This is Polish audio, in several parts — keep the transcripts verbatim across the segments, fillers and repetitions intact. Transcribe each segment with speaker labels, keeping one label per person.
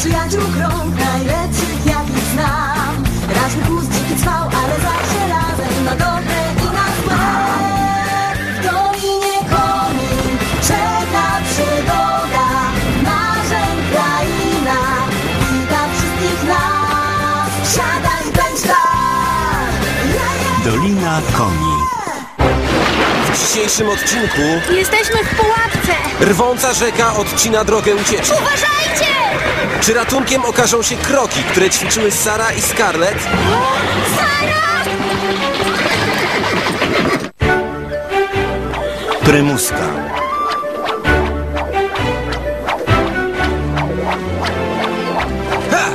Speaker 1: przyjaciół krąg najlepszych jakich znam. Każdy kłus dziki trwał, ale zawsze razem na dobre i na złe. W Dolinie Koni czeka przygoda, marzeń kraina, wita wszystkich nas. Siadaj, bądź tam!
Speaker 2: Dolina Koni.
Speaker 3: W dzisiejszym odcinku
Speaker 4: Jesteśmy w pułapce!
Speaker 3: rwąca rzeka odcina drogę ucieczki.
Speaker 4: Uważajcie!
Speaker 3: Czy ratunkiem okażą się kroki, które ćwiczyły Sara i Scarlett?
Speaker 4: Sara!
Speaker 2: Prymuska.
Speaker 3: Ha!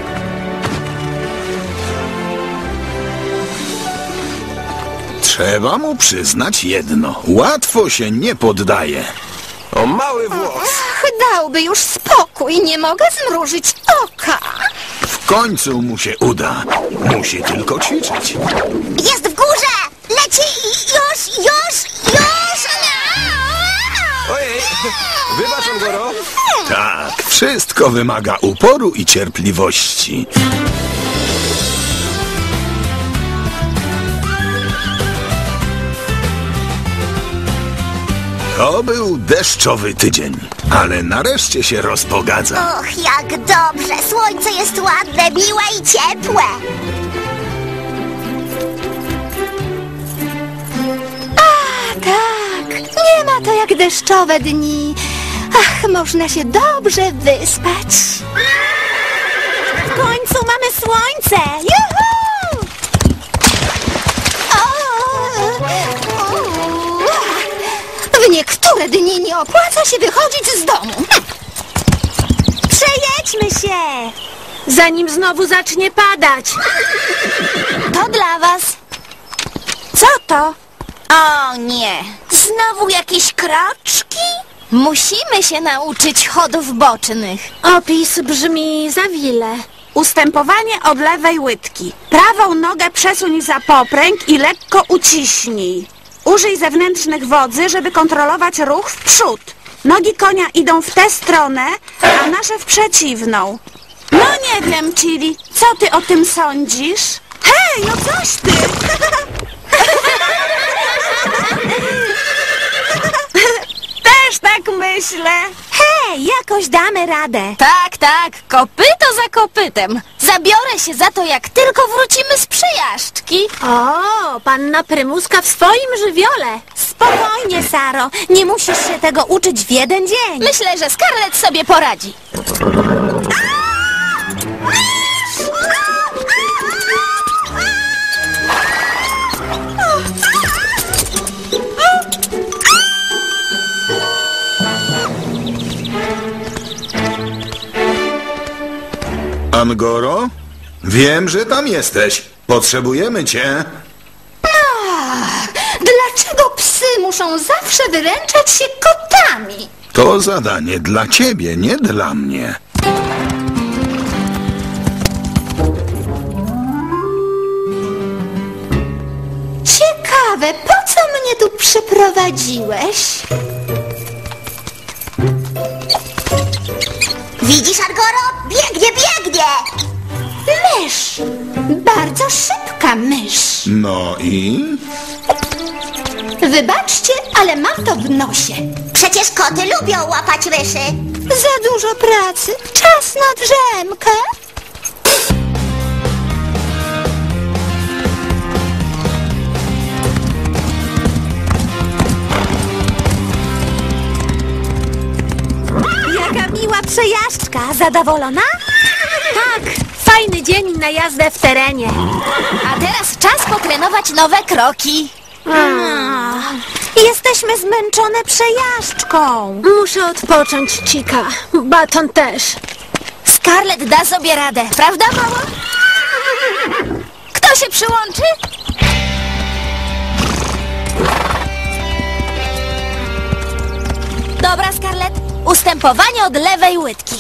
Speaker 5: Trzeba mu przyznać jedno. Łatwo się nie poddaje.
Speaker 3: O mały włos!
Speaker 4: Ach, dałby już spokój, nie mogę zmrużyć oka.
Speaker 5: W końcu mu się uda. Musi tylko ćwiczyć.
Speaker 4: Jest w górze! Leci już, już, już!
Speaker 3: Ojej! Wybacz, Angoro!
Speaker 5: Tak, wszystko wymaga uporu i cierpliwości. To był deszczowy tydzień, ale nareszcie się rozpogadza.
Speaker 4: Och, jak dobrze! Słońce jest ładne, miłe i ciepłe! A, tak! Nie ma to jak deszczowe dni. Ach, można się dobrze wyspać. W końcu mamy słońce! Juhu! O! W niektóre dni nie opłaca się wychodzić z domu. Hm. Przejedźmy się! Zanim znowu zacznie padać. To dla was. Co to? O nie! Znowu jakieś kroczki? Musimy się nauczyć chodów bocznych.
Speaker 6: Opis brzmi zawile. Ustępowanie od lewej łydki. Prawą nogę przesuń za popręg i lekko uciśnij. Użyj zewnętrznych wodzy, żeby kontrolować ruch w przód. Nogi konia idą w tę stronę, a nasze w przeciwną. No nie wiem, Chili, co ty o tym sądzisz? Hej, no coś ty! Też tak myślę.
Speaker 4: Hej, jakoś damy radę. Tak, tak, kopyto za kopytem. Zabiorę się za to, jak tylko wrócimy z przejażdżki.
Speaker 6: O, panna Prymuska w swoim żywiole.
Speaker 4: Spokojnie, Saro. Nie musisz się tego uczyć w jeden dzień. Myślę, że Scarlett sobie poradzi.
Speaker 5: Angoro? Wiem, że tam jesteś. Potrzebujemy cię.
Speaker 4: Dlaczego psy muszą zawsze wyręczać się kotami?
Speaker 5: To zadanie dla ciebie, nie dla mnie.
Speaker 4: Ciekawe, po co mnie tu przyprowadziłeś? Widzisz, Angoro? Biegnie, biegnie! Mysz! Bardzo szybka mysz.
Speaker 5: No i?
Speaker 4: Wybaczcie, ale mam to w nosie. Przecież koty lubią łapać myszy. Za dużo pracy. Czas na drzemkę. Jaka miła przejażdżka. Zadowolona?
Speaker 6: Tak, fajny dzień na jazdę w terenie.
Speaker 4: A teraz czas potrenować nowe kroki. Jesteśmy zmęczone przejażdżką.
Speaker 6: Muszę odpocząć, Chica. Baton też.
Speaker 4: Scarlett da sobie radę, prawda, mamo? Kto się przyłączy? Dobra, Scarlett. Ustępowanie od lewej łydki.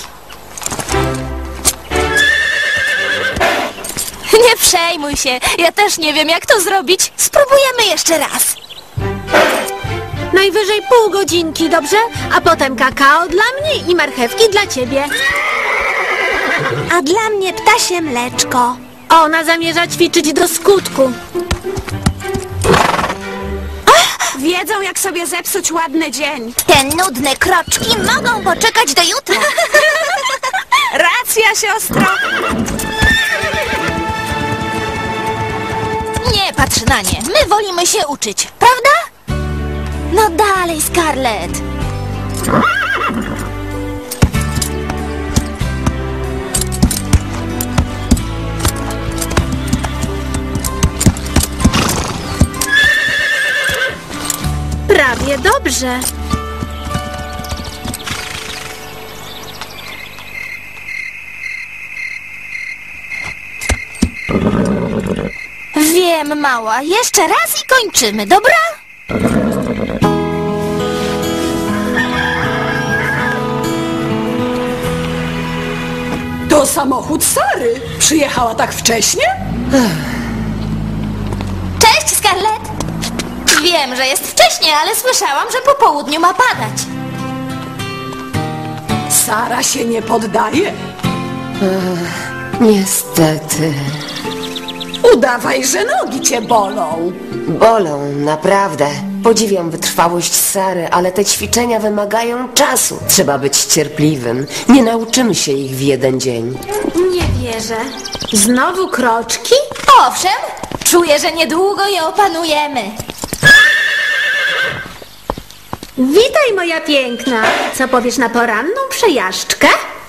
Speaker 4: Nie przejmuj się. Ja też nie wiem, jak to zrobić. Spróbujemy jeszcze raz.
Speaker 6: Najwyżej pół godzinki, dobrze? A potem kakao dla mnie i marchewki dla ciebie.
Speaker 4: A dla mnie ptasie mleczko.
Speaker 7: Ona zamierza ćwiczyć do skutku.
Speaker 6: Wiedzą, jak sobie zepsuć ładny dzień.
Speaker 4: Te nudne kroczki mogą poczekać do jutra.
Speaker 6: Racja, siostro.
Speaker 4: Nie patrz na nie, my wolimy się uczyć, prawda? No dalej, Scarlett.
Speaker 7: Prawie dobrze.
Speaker 4: Wiem, mała, jeszcze raz i kończymy, dobra?
Speaker 8: To samochód Sary. Przyjechała tak wcześnie?
Speaker 4: Cześć, Scarlett. Wiem, że jest wcześnie, ale słyszałam, że po południu ma padać.
Speaker 8: Sara się nie poddaje.
Speaker 9: Niestety.
Speaker 8: Udawaj, że nogi cię bolą.
Speaker 9: Bolą, naprawdę. Podziwiam wytrwałość Sary, ale te ćwiczenia wymagają czasu. Trzeba być cierpliwym. Nie nauczymy się ich w jeden dzień.
Speaker 7: Nie wierzę. Znowu kroczki?
Speaker 4: Owszem, czuję, że niedługo je opanujemy.
Speaker 7: Witaj, moja piękna. Co powiesz na poranną przejażdżkę?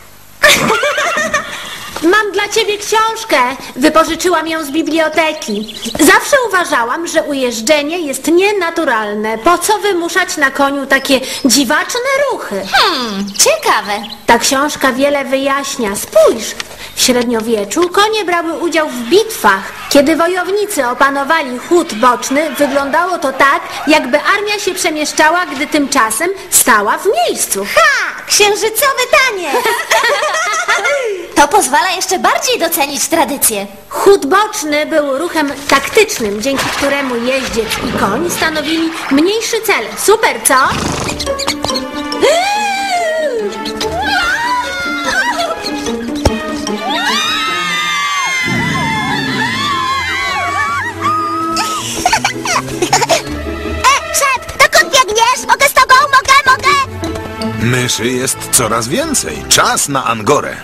Speaker 7: Mam dla ciebie książkę. Wypożyczyłam ją z biblioteki. Zawsze uważałam, że ujeżdżenie jest nienaturalne. Po co wymuszać na koniu takie dziwaczne ruchy?
Speaker 4: Hmm, ciekawe.
Speaker 7: Ta książka wiele wyjaśnia. Spójrz, w średniowieczu konie brały udział w bitwach. Kiedy wojownicy opanowali chód boczny, wyglądało to tak, jakby armia się przemieszczała, gdy tymczasem stała w miejscu.
Speaker 4: Ha! Księżycowy taniec! To pozwala jeszcze bardziej docenić tradycję.
Speaker 7: Chód boczny był ruchem taktycznym, dzięki któremu jeździec i koń stanowili mniejszy cel. Super, co?
Speaker 4: E, szep, dokąd biegniesz? Mogę z tobą? Mogę, mogę!
Speaker 5: Myszy jest coraz więcej. Czas na Angorę.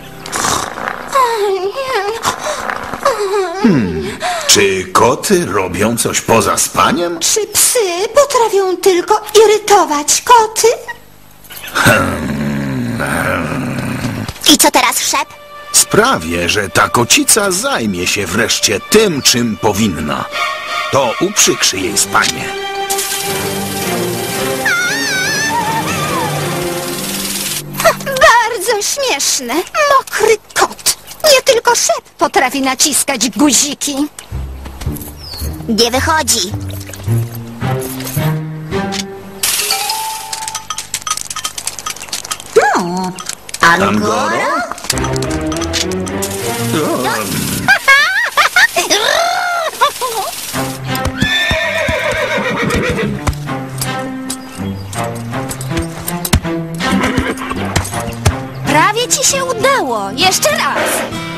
Speaker 5: Hmm. Czy koty robią coś poza spaniem?
Speaker 1: Czy psy potrafią tylko irytować koty? I co teraz, szep?
Speaker 5: Sprawię, że ta kocica zajmie się wreszcie tym, czym powinna. To uprzykrzy jej spanie.
Speaker 1: Bardzo śmieszne. Mokry kot. Nie tylko szep potrafi naciskać guziki. Nie wychodzi. No,
Speaker 5: Angora?
Speaker 4: Prawie ci się udało. Jeszcze raz.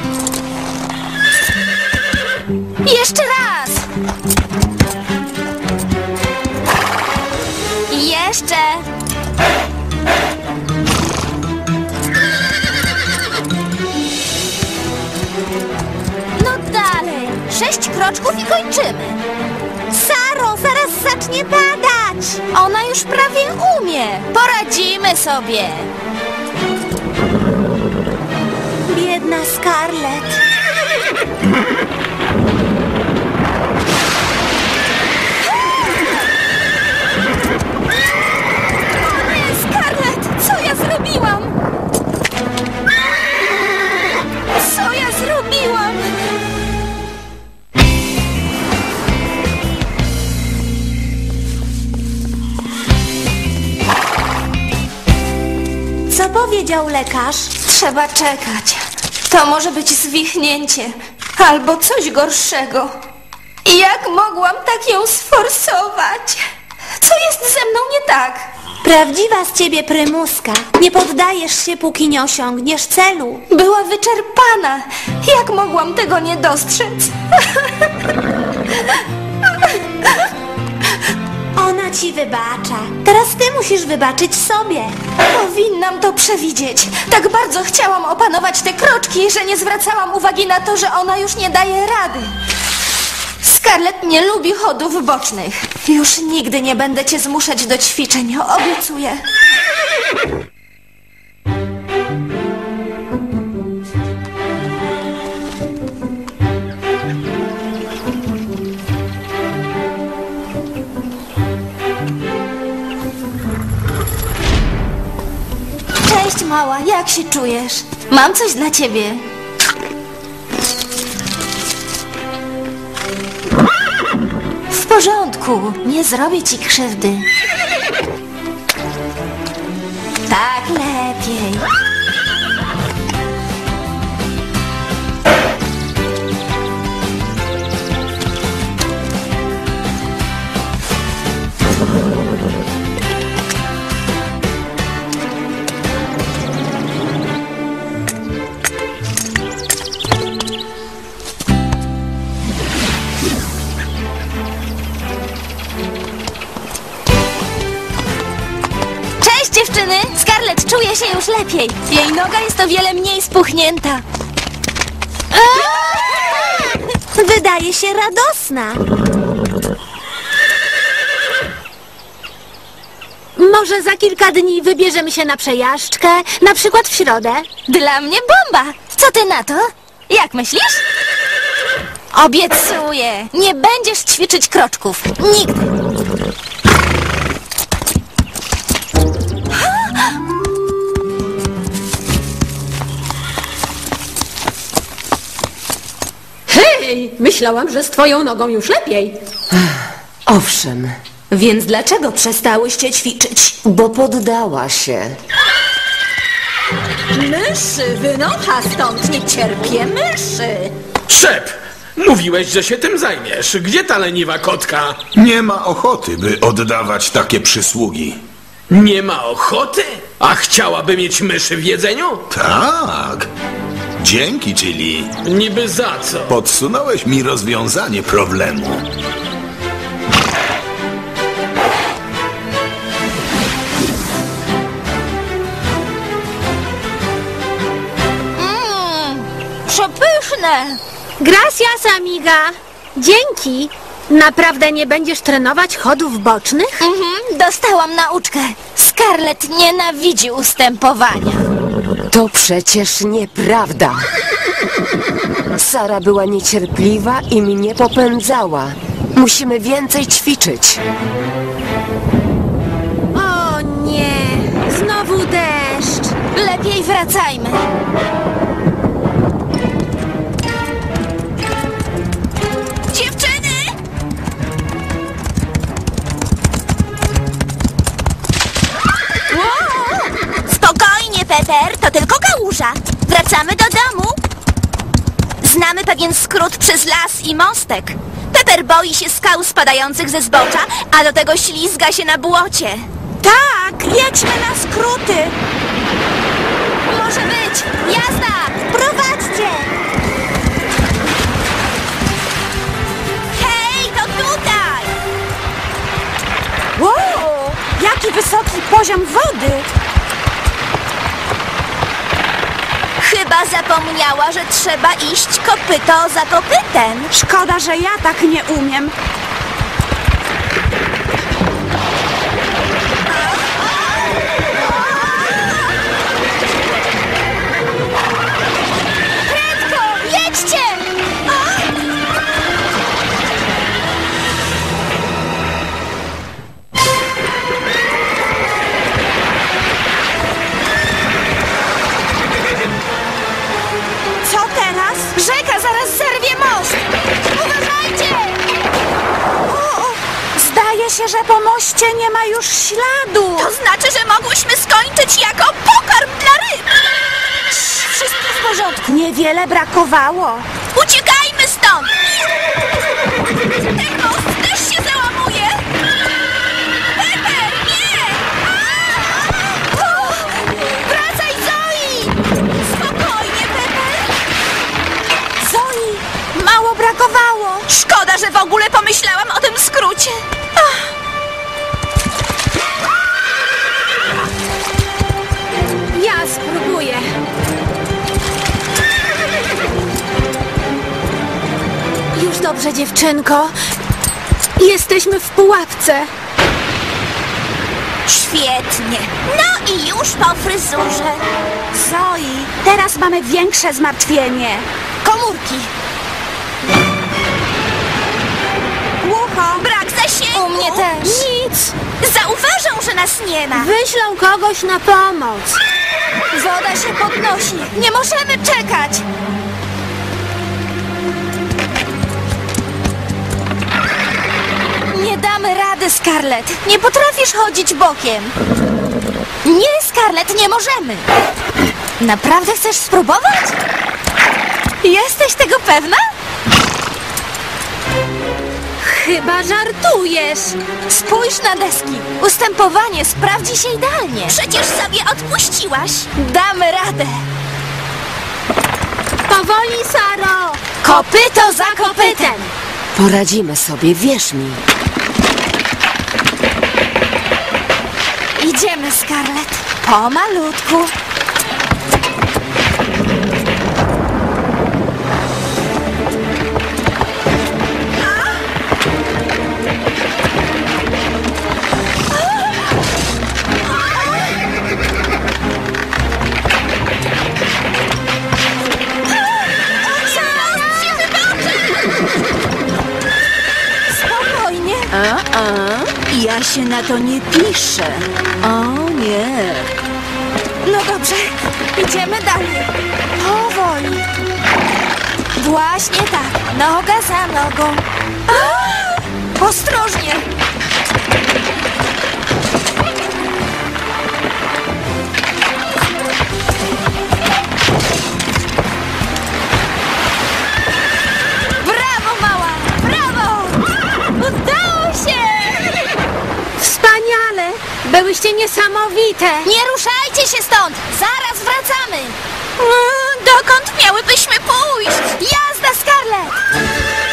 Speaker 4: Jeszcze raz. I jeszcze. No dalej. Sześć kroczków i kończymy. Saro, zaraz zacznie padać. Ona już prawie umie. Poradzimy sobie. Biedna Scarlett. Nie, Scarlett, co ja zrobiłam? Co ja zrobiłam? Co powiedział lekarz? Trzeba czekać. To może być zwichnięcie albo coś gorszego. Jak mogłam tak ją sforsować? Co jest ze mną nie tak?
Speaker 7: Prawdziwa z ciebie prymuska. Nie poddajesz się, póki nie osiągniesz celu.
Speaker 4: Była wyczerpana. Jak mogłam tego nie dostrzec?
Speaker 7: Ona ci wybacza. Teraz ty musisz wybaczyć sobie.
Speaker 4: Powinnam to przewidzieć. Tak bardzo chciałam opanować te kroczki, że nie zwracałam uwagi na to, że ona już nie daje rady. Scarlett nie lubi chodów bocznych. Już nigdy nie będę cię zmuszać do ćwiczeń, obiecuję. Cześć, mała, jak się czujesz? Mam coś dla ciebie. W porządku, nie zrobię ci krzywdy. Tak lepiej. Dziewczyny, Scarlett czuje się już lepiej. Jej noga jest o wiele mniej spuchnięta.
Speaker 7: Wydaje się radosna. Może za kilka dni wybierzemy się na przejażdżkę, na przykład w środę.
Speaker 4: Dla mnie bomba. Co ty na to? Jak myślisz? Obiecuję, nie będziesz ćwiczyć kroczków. Nigdy.
Speaker 8: Hej, myślałam, że z twoją nogą już lepiej.
Speaker 9: Owszem,
Speaker 4: Więc dlaczego przestałyście ćwiczyć?
Speaker 9: bo poddała się.
Speaker 8: Myszy, wynocha stąd, nie cierpię myszy.
Speaker 10: Szep! Mówiłeś, że się tym zajmiesz. Gdzie ta leniwa kotka?
Speaker 5: Nie ma ochoty, by oddawać takie przysługi.
Speaker 10: Nie ma ochoty? A chciałaby mieć myszy w jedzeniu?
Speaker 5: Tak. Dzięki, Chili.
Speaker 10: Niby za co?
Speaker 5: Podsunąłeś mi rozwiązanie problemu.
Speaker 4: Mmm, przepyszne.
Speaker 7: Gracias, amiga. Dzięki. Naprawdę nie będziesz trenować chodów bocznych?
Speaker 4: Mhm, dostałam nauczkę. Scarlett nienawidzi ustępowania.
Speaker 9: To przecież nieprawda. Sara była niecierpliwa i mnie popędzała. Musimy więcej ćwiczyć.
Speaker 7: O nie, znowu deszcz.
Speaker 4: Lepiej wracajmy. Dziewczyny! Wow! Spokojnie, Pepper, to tylko kałuża. Wracamy do domu. Znamy pewien skrót przez las i mostek. Pepper boi się skał spadających ze zbocza, a do tego ślizga się na błocie.
Speaker 6: Tak, jedźmy na skróty.
Speaker 4: Może być! Jazda! Prowadźcie! Hej, to tutaj!
Speaker 6: Wow, jaki wysoki poziom wody.
Speaker 4: Chyba zapomniała, że trzeba iść kopyto za kopytem.
Speaker 6: Szkoda, że ja tak nie umiem.
Speaker 4: Prędko, jedźcie!
Speaker 6: Co teraz?
Speaker 4: Rzeka zaraz zerwie most! Uważajcie!
Speaker 6: O, zdaje się, że po moście nie ma już śladu.
Speaker 4: To znaczy, że mogłyśmy skończyć jako pokarm dla ryb! Wszystko w porządku.
Speaker 6: Niewiele brakowało.
Speaker 4: Uciekajmy stąd! Ten most też się załamuje! Pepper, nie!
Speaker 6: spróbuję.
Speaker 7: Już dobrze, dziewczynko. Jesteśmy w pułapce.
Speaker 6: Świetnie. No i już po fryzurze. Zoi, teraz mamy większe zmartwienie.
Speaker 4: Komórki.
Speaker 6: Głucho. Brak zasięgu.
Speaker 4: U mnie też.
Speaker 6: Nic. Zauważą, że nas nie ma.
Speaker 7: Wyślą kogoś na pomoc.
Speaker 4: Woda się podnosi. Nie możemy czekać. Nie damy rady, Scarlett. Nie potrafisz chodzić bokiem. Nie, Scarlett, nie możemy. Naprawdę chcesz spróbować? Jesteś tego pewna?
Speaker 7: Chyba żartujesz.
Speaker 4: Spójrz na deski. Ustępowanie sprawdzi się idealnie.
Speaker 6: Przecież sobie odpuściłaś.
Speaker 4: Damy radę.
Speaker 7: Powoli, Saro.
Speaker 4: Kopyto za kopytem.
Speaker 9: Poradzimy sobie, wierz mi.
Speaker 4: Idziemy, Scarlett. Pomalutku. Spokojnie.
Speaker 11: A, a, ja się na to nie piszę. O nie.
Speaker 4: No dobrze, idziemy dalej. Powoli. Właśnie tak, noga za nogą. A! Ostrożnie. Brawo, mała! Brawo! Udało się!
Speaker 7: Wspaniale. Byłyście niesamowite.
Speaker 4: Nie ruszajcie się stąd! Zaraz wracamy!
Speaker 6: Mm, dokąd miałybyśmy pójść?
Speaker 4: Jazda, Scarlett!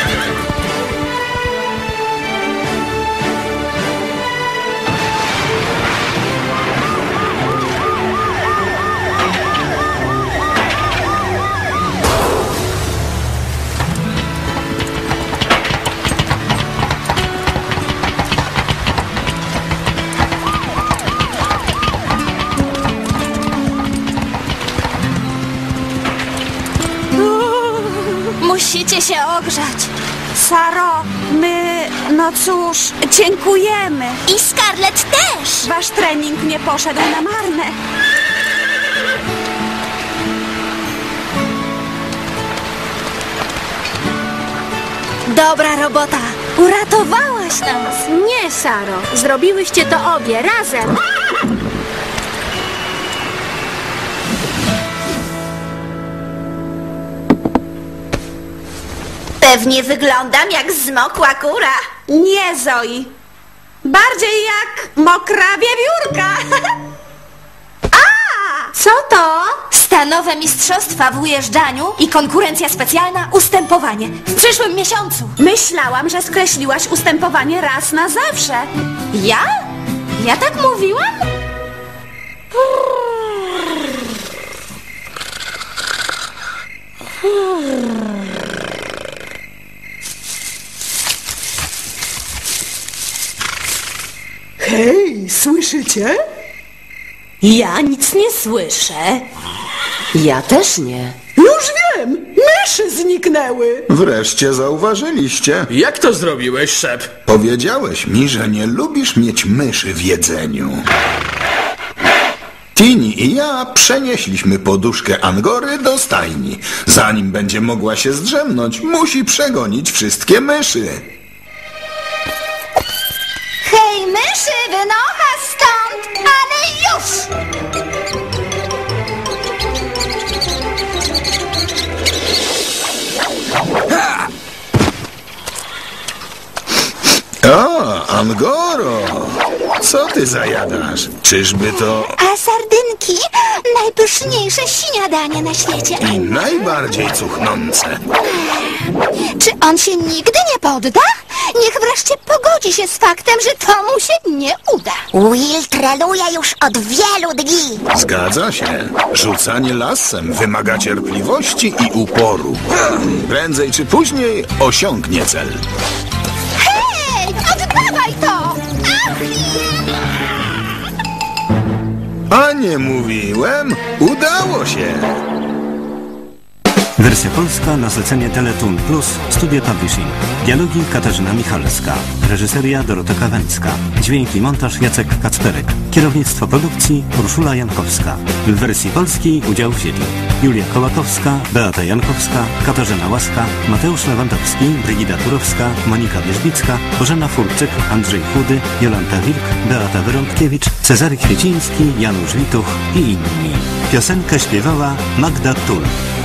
Speaker 4: Musicie się ogrzać.
Speaker 6: Saro, my, no cóż, dziękujemy.
Speaker 4: I Scarlett też!
Speaker 6: Wasz trening nie poszedł na marne.
Speaker 4: Dobra robota! Uratowałaś nas!
Speaker 7: Nie, Saro. Zrobiłyście to obie razem.
Speaker 6: Pewnie wyglądam jak zmokła kura. Nie, Zoi. Bardziej jak mokra wiewiórka. A!
Speaker 7: Co to?
Speaker 4: Stanowe mistrzostwa w ujeżdżaniu i konkurencja specjalna ustępowanie w przyszłym miesiącu.
Speaker 6: Myślałam, że skreśliłaś ustępowanie raz na zawsze.
Speaker 4: Ja? Ja tak mówiłam?
Speaker 11: Hej, słyszycie? Ja nic nie słyszę.
Speaker 9: Ja też nie.
Speaker 11: Już wiem! Myszy zniknęły!
Speaker 5: Wreszcie zauważyliście.
Speaker 10: Jak to zrobiłeś, szef?
Speaker 5: Powiedziałeś mi, że nie lubisz mieć myszy w jedzeniu. Tini i ja przenieśliśmy poduszkę Angory do stajni. Zanim będzie mogła się zdrzemnąć, musi przegonić wszystkie myszy.
Speaker 4: Hej, myszy, wynocha stąd, ale już!
Speaker 5: O, Angoro! Co ty zajadasz? Czyżby to
Speaker 12: A sardynki? Najpyszniejsze śniadanie na świecie.
Speaker 5: i najbardziej cuchnące?
Speaker 12: Czy on się nigdy nie podda? Niech wreszcie pogodzi się z faktem, że to mu się nie uda.
Speaker 13: Will trenuje już od wielu dni.
Speaker 5: Zgadza się. Rzucanie lasem wymaga cierpliwości i uporu. Prędzej czy później osiągnie cel.
Speaker 12: Hej, oddawaj to! Ach!
Speaker 5: A nie mówiłem? Udało się!
Speaker 2: Wersja polska na zlecenie Teletoon Plus Studio Publishing. Dialogi Katarzyna Michalska. Reżyseria Dorota Kawęcka. Dźwięk i montaż Jacek Kacperek. Kierownictwo produkcji Urszula Jankowska. W wersji polskiej udział wzięli Julia Kołakowska, Beata Jankowska, Katarzyna Łaska, Mateusz Lewandowski, Brygida Turowska, Monika Wierzbicka, Bożena Furczyk, Andrzej Chudy, Jolanta Wilk, Beata Wyrąbkiewicz, Cezary Kwieciński, Janusz Wituch i inni. Piosenkę śpiewała Magda Tul.